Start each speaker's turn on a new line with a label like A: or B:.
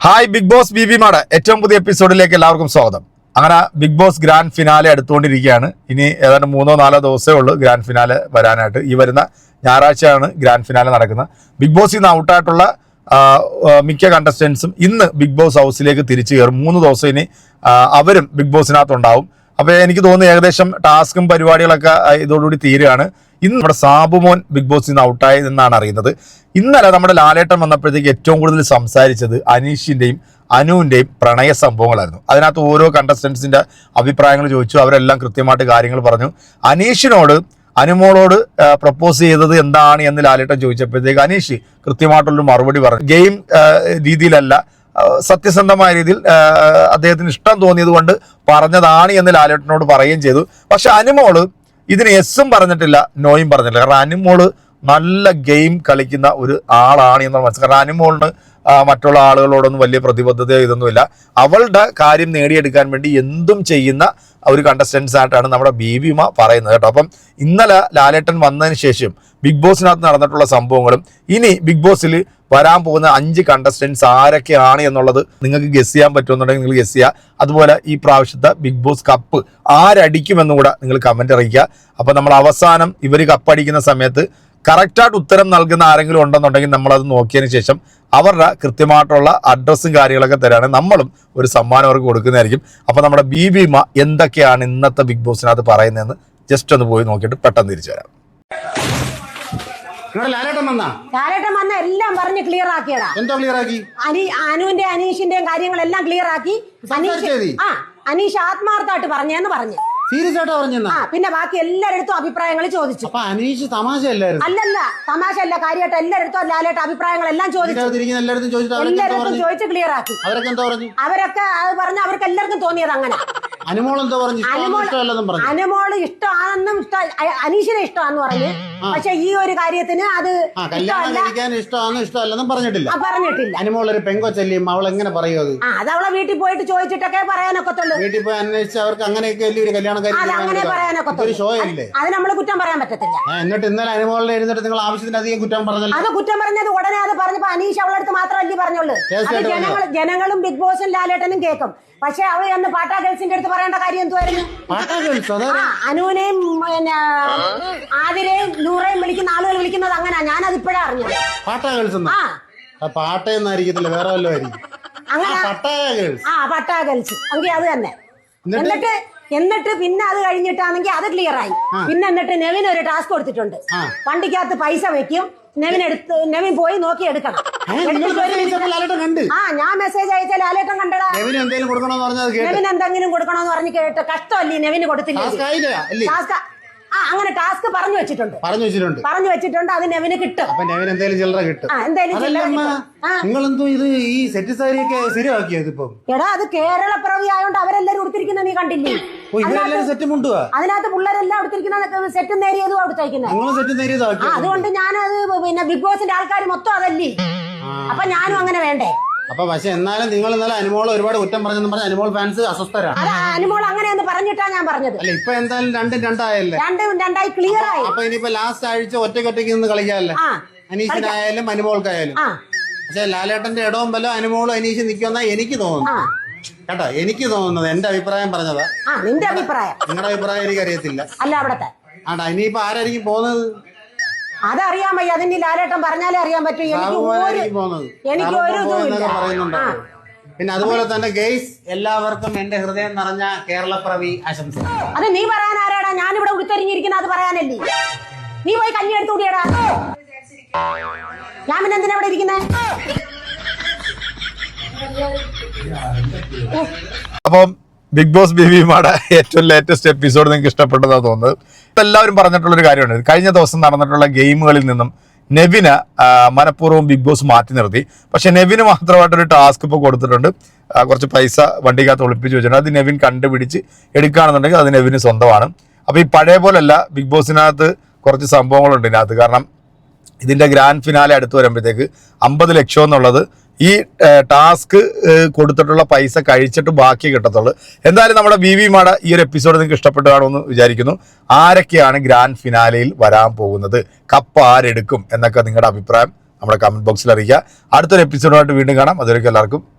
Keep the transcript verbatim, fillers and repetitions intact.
A: Hi Bigg Boss B B മാടെ ഏറ്റവും പുതിയ എപ്പിസോഡിലേക്ക് എല്ലാവർക്കും സ്വാഗതം. അങ്ങനെ ബിഗ് ബോസ് ഗ്രാൻഡ് ഫിനാലെ അടുത്തുകൊണ്ടിരിക്കുകയാണ്. ഇനി ഏതാണ്ട് മൂന്നോ നാലോ ദിവസമേ ഉള്ളൂ ഗ്രാൻഡ് ഫിനാലെ വരാനായിട്ട്. ഈ വരുന്ന ഞായറാഴ്ചയാണ് ഗ്രാൻഡ് ഫിനാലെ നടക്കുന്നത്. ബിഗ് ബോസിൽ നിന്ന് ഔട്ടായിട്ടുള്ള മിക്ക കണ്ടസ്റ്റൻസും ഇന്ന് ബിഗ് ബോസ് ഹൗസിലേക്ക് തിരിച്ചു കയറും. മൂന്ന് ദിവസം ഇനി അവരും ബിഗ് ബോസിനകത്തുണ്ടാവും. അപ്പോൾ എനിക്ക് തോന്നുന്നു ഏകദേശം ടാസ്കും പരിപാടികളൊക്കെ ഇതോടുകൂടി തീരുകയാണ്. ഇന്ന് നമ്മുടെ സാബുമോൻ ബിഗ് ബോസിൽ നിന്ന് ഔട്ടായി എന്നാണ് അറിയുന്നത്. ഇന്നലെ നമ്മുടെ ലാലേട്ടൻ വന്നപ്പോഴത്തേക്ക് ഏറ്റവും കൂടുതൽ സംസാരിച്ചത് അനീഷിൻ്റെയും അനുവിൻ്റെയും പ്രണയ സംഭവങ്ങളായിരുന്നു. അതിനകത്ത് ഓരോ കണ്ടസ്റ്റൻസിൻ്റെ അഭിപ്രായങ്ങൾ ചോദിച്ചു. അവരെല്ലാം കൃത്യമായിട്ട് കാര്യങ്ങൾ പറഞ്ഞു. അനീഷിനോട് അനുമോളോട് പ്രപ്പോസ് ചെയ്തത് എന്താണ് എന്ന് ലാലേട്ടൻ ചോദിച്ചപ്പോഴത്തേക്ക് അനീഷ് കൃത്യമായിട്ടുള്ളൊരു മറുപടി പറഞ്ഞു. ഗെയിം രീതിയിലല്ല, സത്യസന്ധമായ രീതിയിൽ അദ്ദേഹത്തിന് ഇഷ്ടം തോന്നിയത് കൊണ്ട് പറഞ്ഞതാണ് എന്ന് ലാലേട്ടനോട് പറയുകയും ചെയ്തു. പക്ഷെ അനുമോള് ഇതിന് എസ്സും പറഞ്ഞിട്ടില്ല, നോയും പറഞ്ഞിട്ടില്ല. കാരണം അനുമോള് നല്ല ഗെയിം കളിക്കുന്ന ഒരു ആളാണ് എന്നാണ് മനസ്സിലാക്കുക. കാരണം അനുമോളിന് മറ്റുള്ള ആളുകളോടൊന്നും വലിയ പ്രതിബദ്ധത ഇതൊന്നുമില്ല. അവളുടെ കാര്യം നേടിയെടുക്കാൻ വേണ്ടി എന്തും ചെയ്യുന്ന ഒരു കണ്ടസ്റ്റൻസ് ആയിട്ടാണ് നമ്മുടെ ബീബിമ പറയുന്നത് കേട്ടോ. അപ്പം ഇന്നലെ ലാലേട്ടൻ വന്നതിന് ശേഷം ബിഗ് ബോസിനകത്ത് നടന്നിട്ടുള്ള സംഭവങ്ങളും ഇനി ബിഗ് ബോസിൽ വരാൻ പോകുന്ന അഞ്ച് കണ്ടസ്റ്റൻസ് ആരൊക്കെയാണ് എന്നുള്ളത് നിങ്ങൾക്ക് ഗസ് ചെയ്യാൻ പറ്റുമെന്നുണ്ടെങ്കിൽ നിങ്ങൾ ഗസ് ചെയ്യുക. അതുപോലെ ഈ പ്രാവശ്യത്തെ ബിഗ് ബോസ് കപ്പ് ആരടിക്കുമെന്നും കൂടെ നിങ്ങൾ കമൻറ്റ് അറിയിക്കുക. അപ്പോൾ നമ്മൾ അവസാനം ഇവർ കപ്പടിക്കുന്ന സമയത്ത് കറക്റ്റായിട്ട് ഉത്തരം നൽകുന്ന ആരെങ്കിലും ഉണ്ടെന്നുണ്ടെങ്കിൽ നമ്മളത് നോക്കിയതിന് ശേഷം അവരുടെ കൃത്യമായിട്ടുള്ള അഡ്രസ്സും കാര്യങ്ങളൊക്കെ തരാണ് നമ്മളും ഒരു സമ്മാനം അവർക്ക് കൊടുക്കുന്നതായിരിക്കും. അപ്പോൾ നമ്മുടെ ബീബിമ എന്തൊക്കെയാണ് ഇന്നത്തെ ബിഗ് ബോസിനകത്ത് പറയുന്നതെന്ന് ജസ്റ്റ് ഒന്ന് പോയി നോക്കിയിട്ട് പെട്ടെന്ന് തിരിച്ചു വരാം.
B: ലാലേട്ടൻ വന്ന എല്ലാം പറഞ്ഞ് ക്ലിയർ ആക്കിയടാ.
C: എന്താ ക്ലിയർ ആക്കി?
B: അനി അനുവിന്റെ അനീഷിന്റെയും കാര്യങ്ങളെല്ലാം ക്ലിയർ ആക്കി. അനീഷ് ആ അനീഷ് ആത്മാർത്ഥമായിട്ട് പറഞ്ഞെന്ന് പറഞ്ഞു.
C: സീരിയസ് ആയിട്ടാ പറഞ്ഞ?
B: ആ പിന്നെ ബാക്കി എല്ലാരടുത്തും അഭിപ്രായങ്ങൾ ചോദിച്ചു.
C: അപ്പൊ അനീഷ് തമാശയല്ലായിരുന്നു?
B: അല്ലല്ല, തമാശ അല്ല, കാര്യമായിട്ട് എല്ലാരടുത്തും ലാലേട്ട അഭിപ്രായങ്ങളെല്ലാം ചോദിച്ചു. എല്ലാരടുത്തും ചോദിച്ച് ക്ലിയർ ആക്കി.
C: അവരൊക്കെ എന്താ പറഞ്ഞു?
B: അവരൊക്കെ അത് പറഞ്ഞ അവർക്ക് എല്ലാവർക്കും തോന്നിയത് അങ്ങനെ.
C: അനുമോൾ എന്താ പറഞ്ഞു?
B: അനുമോള് ഇഷ്ടമാണെന്നും അനീഷിനെ ഇഷ്ടമാന്ന് പറഞ്ഞു. പക്ഷെ ഈ ഒരു കാര്യത്തിന് അത്
C: ഇഷ്ടമല്ലെന്നും പറഞ്ഞിട്ടില്ല.
B: പറഞ്ഞിട്ടില്ല.
C: അനുമോൾ ഒരു പെങ്കൊച്ചല്ലിയും അവൾ എങ്ങനെ പറയും അത്?
B: അത് അവളെ വീട്ടിൽ പോയിട്ട് ചോദിച്ചിട്ടൊക്കെ പറയാനൊക്കത്തുള്ളൂ.
C: വീട്ടിൽ പോയി അന്വേഷിച്ച് അവർക്ക് അങ്ങനെയൊക്കെ വലിയ ഒരു കല്യാണം
B: പറയാനൊക്കത്തുള്ളൂ.
C: ഷോ അല്ലേ അത്?
B: നമ്മള് കുറ്റം പറയാൻ പറ്റത്തില്ല.
C: എന്നിട്ട് ഇന്നലെ അനുമോളിനെ എഴുന്നിട്ട് നിങ്ങൾ ആവശ്യത്തിനധികം കുറ്റം പറഞ്ഞല്ലോ.
B: അത് കുറ്റം പറഞ്ഞത് ഉടനെ അത് പറഞ്ഞപ്പോ അനീഷ് അവളടുത്ത് മാത്രമല്ലേ പറഞ്ഞുള്ളൂ. ജനങ്ങൾ ജനങ്ങളും ബിഗ് ബോസും ലാലേട്ടനും കേൾക്കും. പക്ഷെ അവർ അന്ന് പാട്ടാ ഗേൾസിന്റെ അടുത്ത് പറയേണ്ട കാര്യം എന്തുവായിരുന്നു? അനുവിനെയും പിന്നെ ആതിരയും നൂറേയും വിളിക്കുന്ന ആളുകൾ വിളിക്കുന്നത് അങ്ങനെ. ഞാനത് ഇപ്പോഴാ അറിഞ്ഞത്.
C: പാട്ടാ ഗേൾസ് പാട്ടയെന്നായിരിക്കത്തില്ല, വേറെ വല്ലതും ആയിരിക്കും.
B: അങ്ങനെ ആ പട്ടാ ഗേൾസ് എങ്കിൽ അത് തന്നെ. എന്നിട്ട് എന്നിട്ട് പിന്നെ അത് കഴിഞ്ഞിട്ടാണെങ്കിൽ അത് ക്ലിയർ ആയി. പിന്നെ എന്നിട്ട് നെവിൻ ഒരു ടാസ്ക് കൊടുത്തിട്ടുണ്ട്. വണ്ടിക്കകത്ത് പൈസ വെക്കും, നെവിൻ എടുത്ത് നെവിൻ പോയി നോക്കി എടുക്കണം. ആ ഞാൻ മെസ്സേജ് അയച്ച ലാലേട്ടൻ കണ്ടടാ. നെവിൻ എന്തെങ്കിലും കൊടുക്കണോന്ന് പറഞ്ഞ് കേട്ട് കഷ്ടമല്ലേ നെവിന് കൊടുത്തില്ല. ആ അങ്ങനെ ടാസ്ക് പറഞ്ഞു വെച്ചിട്ടുണ്ട്
C: പറഞ്ഞു വെച്ചിട്ടുണ്ട്
B: പറഞ്ഞു വെച്ചിട്ടുണ്ട് അത് നെവിന് കിട്ടും.
C: അപ്പൊ നെവിന് എന്തെങ്കിലും ചില്ലറ കിട്ടും. നിങ്ങളെന്തോ ഇത് ഈ സെറ്റ് സാരിയൊക്കെ ശരിയാക്കിയത് ഇപ്പൊ? എടാ അത് കേരള പിറവി ആയതുകൊണ്ട് അവരെല്ലാരും ഉടുത്തിരിക്കുന്ന നീ കണ്ടില്ലേ? സെറ്റ് മുണ്ടുവാ അതിനകത്ത് പിള്ളേരെല്ലാം ഉടുത്തിരിക്കുന്ന സെറ്റ് നേരിയതും അവിടുത്തേക്കുന്നത്. അതുകൊണ്ട് ഞാനത് പിന്നെ ബിഗ് ബോസിന്റെ ആൾക്കാർ മൊത്തം അതല്ലേ. അപ്പൊ ഞാനും അങ്ങനെ വേണ്ടേ? അപ്പൊ പക്ഷെ എന്നാലും നിങ്ങൾ ഇന്നലെ അനുമോൾ ഒരുപാട് കുറ്റം പറഞ്ഞെന്ന് പറഞ്ഞ അനുമോൾ ഫാൻസ് അസ്വസ്ഥരാണ്.
B: അനുമോൾ അങ്ങനെയെന്ന് പറഞ്ഞിട്ടാ ഞാൻ പറഞ്ഞത്.
C: അല്ല ഇപ്പൊ എന്തായാലും രണ്ടും രണ്ടായല്ലേ?
B: രണ്ടും രണ്ടായി ക്ലിയർ ആയി.
C: അപ്പൊ ഇനിയിപ്പോ ലാസ്റ്റ് ആഴ്ച ഒറ്റയ്ക്ക് ഒറ്റയ്ക്ക് നിന്ന് കളിക്കാല്ലേ, അനീഷിനായാലും അനുമോൾക്കായാലും. പക്ഷെ ലാലേട്ടന്റെ ഇടവും ബലം അനുമോളും അനീഷ് നിൽക്കുമെന്നാ എനിക്ക് തോന്നുന്നു കേട്ടോ. എനിക്ക് തോന്നുന്നത് എന്റെ അഭിപ്രായം പറഞ്ഞതാ.
B: നിന്റെ അഭിപ്രായം?
C: നിങ്ങളുടെ അഭിപ്രായം എനിക്ക് അറിയത്തില്ല.
B: അല്ല അവിടത്തെ
C: ആണ്ടാ ഇനിയിപ്പോ ആരായിരിക്കും പോകുന്നത്?
B: അതറിയാൻ വയ്യ. അതിന് ലാലേട്ടൻ പറഞ്ഞാലേ അറിയാൻ പറ്റൂ. എനിക്ക്
C: പിന്നെ അതുപോലെ തന്നെ ഗെയ്സ് എല്ലാവർക്കും എന്റെ ഹൃദയം നിറഞ്ഞ കേരളപ്പിറവി ആശംസ.
B: അത് നീ പറയാൻ ആരാടാ? ഞാനിവിടെ ഉടുത്തെരിഞ്ഞിരിക്കുന്ന അത് പറയാനല്ലേ. നീ പോയി കഞ്ഞി എടുത്തു കൂടിയടാ. ഞാൻ പിന്നെ എന്തിനാ ഇവിടെ ഇരിക്കുന്നേ?
A: അപ്പം ബിഗ് ബോസ് ബീബിമാടെ ഏറ്റവും ലേറ്റസ്റ്റ് എപ്പിസോഡ് നിങ്ങൾക്ക് ഇഷ്ടപ്പെട്ടതാണെന്ന് തോന്നുന്നത്. എല്ലാവരും പറഞ്ഞിട്ടുള്ളൊരു കാര്യമാണ്, കഴിഞ്ഞ ദിവസം നടന്നിട്ടുള്ള ഗെയിമുകളിൽ നിന്നും നെവിന് മനഃപൂർവ്വം ബിഗ് ബോസ് മാറ്റി നിർത്തി. പക്ഷെ നെവിന് മാത്രമായിട്ടൊരു ടാസ്ക് ഇപ്പോൾ കൊടുത്തിട്ടുണ്ട്. കുറച്ച് പൈസ വണ്ടിക്കകത്ത് ഒളിപ്പിച്ച് വെച്ചിട്ടുണ്ട്. അത് നെവിൻ കണ്ടുപിടിച്ച് എടുക്കുകയാണെന്നുണ്ടെങ്കിൽ അത് നെവിന് സ്വന്തമാണ്. അപ്പോൾ ഈ പഴയ പോലല്ല, ബിഗ് ബോസിനകത്ത് കുറച്ച് സംഭവങ്ങളുണ്ട് ഇതിനകത്ത്. കാരണം ഇതിൻ്റെ ഗ്രാൻഡ് ഫിനാലെ അടുത്ത് വരുമ്പോഴത്തേക്ക് അമ്പത് ലക്ഷം എന്നുള്ളത് ഈ ടാസ്ക് കൊടുത്തിട്ടുള്ള പൈസ കഴിച്ചിട്ട് ബാക്കി കിട്ടത്തുള്ളൂ. എന്തായാലും നമ്മുടെ ബീബിമാടെ ഈ ഒരു എപ്പിസോഡ് നിങ്ങൾക്ക് ഇഷ്ടപ്പെട്ടു കാണുമെന്ന് വിചാരിക്കുന്നു. ആരൊക്കെയാണ് ഗ്രാൻഡ് ഫിനാലയിൽ വരാൻ പോകുന്നത്, കപ്പ് ആരെടുക്കും എന്നൊക്കെ നിങ്ങളുടെ അഭിപ്രായം നമ്മുടെ കമന്റ് ബോക്സിൽ അറിയിക്കുക. അടുത്തൊരു എപ്പിസോഡുമായിട്ട് വീണ്ടും കാണാം. അതുവരെയ്ക്കും എല്ലാവർക്കും